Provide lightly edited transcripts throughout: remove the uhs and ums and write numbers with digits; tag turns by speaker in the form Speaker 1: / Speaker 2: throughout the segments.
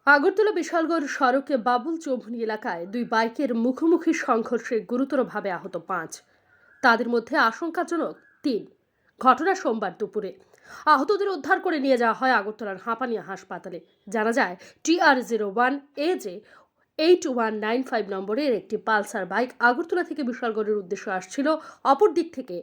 Speaker 1: আগরতলা বিশালগড় সড়কে বাবুল চৌমুহনী এলাকায় দুই বাইকের মুখোমুখি সংঘর্ষে গুরুতরভাবে আহত ৫। তাদের মধ্যে আশঙ্কাজনক ৩। ঘটনা সোমবার দুপুরে। আহতদের উদ্ধার করে নিয়ে যাওয়া হয় আগরতলার হাঁপানিয়া হাসপাতালে। জানা যায় TR01AJ 8195 নম্বরের একটি পালসার বাইক আগরতলা থেকে বিশালগড়ের উদ্দেশ্যে আসছিল। অপর দিক থেকে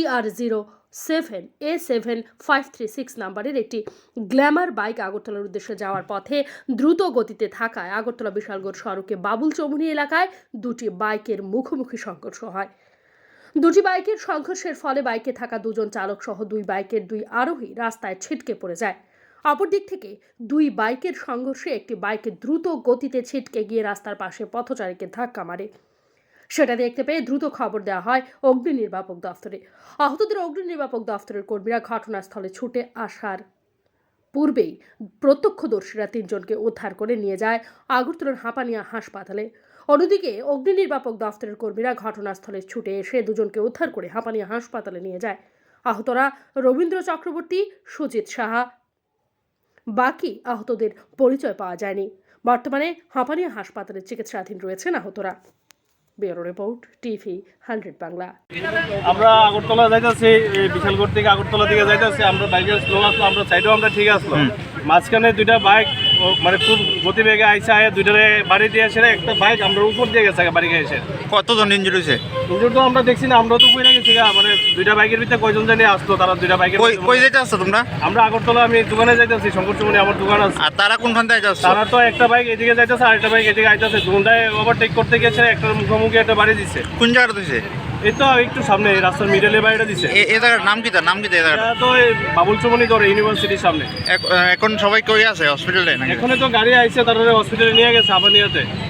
Speaker 1: TR07A7536 নম্বরের একটি গ্ল্যামার বাইক আগরতলার উদ্দেশ্যে যাওয়ার পথে দ্রুত গতিতে থাকায় আগরতলা বিশালগড় সড়কে বাবুল চৌমুহনী এলাকায় দুটি বাইকের মুখোমুখি সংঘর্ষ হয়। দুটি বাইকের সংঘর্ষের ফলে বাইকে থাকা দুজন চালক সহ দুই বাইকের দুই আরোহী রাস্তায় ছিটকে পড়ে যায়। অপরদিক থেকে দুই বাইকের সংঘর্ষে একটি বাইকে দ্রুত গতিতে ছিটকে গিয়ে রাস্তার পাশে পথচারীকে ধাক্কা মারে। সেটা দেখতে পেয়ে দ্রুত খবর দেওয়া হয় অগ্নি নির্বাপক দফতরে। আহতদের অগ্নি নির্বাপক দফতরের কর্মীরা ঘটনাস্থলে ছুটে আসার পূর্বেই প্রত্যক্ষদর্শীরা ৩ জনকে উদ্ধার করে নিয়ে যায় আগরতলার হাঁপানিয়া হাসপাতালে। অন্যদিকে অগ্নি নির্বাপক দফতরের কর্মীরা ঘটনাস্থলে ছুটে এসে দুজনকে উদ্ধার করে হাঁপানিয়া হাসপাতালে নিয়ে যায়। আহতরা রবীন্দ্র চক্রবর্তী, সুজিত সাহা। বাকি আহতদের পরিচয় পাওয়া যায়নি। বর্তমানে হাঁপানিয়া হাসপাতালে চিকিৎসাধীন রয়েছেন আহতরা। Bureau report, TV 100 Bangla.
Speaker 2: আমরা আগরতলা যাইতেছি, বিশালগড় থেকে আগরতলা দিকে যাইতেছি। আমরা বাইকের স্লো আসলো, আমরা সাইডেও আমরা ঠিক আসলো। মাঝখানে দুইটা বাইক মানে খুব গতিবেগে আইসে আয় দুইটারে বাড়ি দিয়ে এসে একটা বাইক আমরা উপর দিয়ে গেছে বাড়ি গিয়ে এসে।
Speaker 3: কতজন ইনজুরি হয়েছে?
Speaker 2: ইনজুর তো আমরা দেখছি না, আমরা তো কই না গেছি মানে দুইটা বাইকের ভিতরে কয়জন জানি আসলো, তারা দুইটা বাইকের
Speaker 3: কই যাইতে আসছো তোমরা?
Speaker 2: আমরা আগরতলা, আমি দোকানে যাইতেছি, শঙ্কর চুমনি আমার দোকান আছে।
Speaker 3: আর তারা কোনখান থেকে যাচ্ছে?
Speaker 2: তারা তো একটা বাইক এদিকে যাইতেছে আর একটা বাইক এদিকে আইতেছে, দুটায় ওভারটেক করতে গেছে, একটা মুখোমুখি একটা বাড়ি দিচ্ছে।
Speaker 3: কোন জায়গাটা দিছে?
Speaker 2: এই তো একটু সামনে রাস্তার মিডলে বাড়িটা দিচ্ছে।
Speaker 3: এই জায়গার নাম কি? তার নাম কি? এই জায়গাটা
Speaker 2: তো বাবুল চৌমুহনী ধরে ইউনিভার্সিটির সামনে।
Speaker 3: এখন সবাই কই আছে? হসপিটালে নাকি?
Speaker 2: এখানে তো গাড়ি আইছে, তারা হসপিটালে নিয়ে গেছে হাঁপানিয়াতে।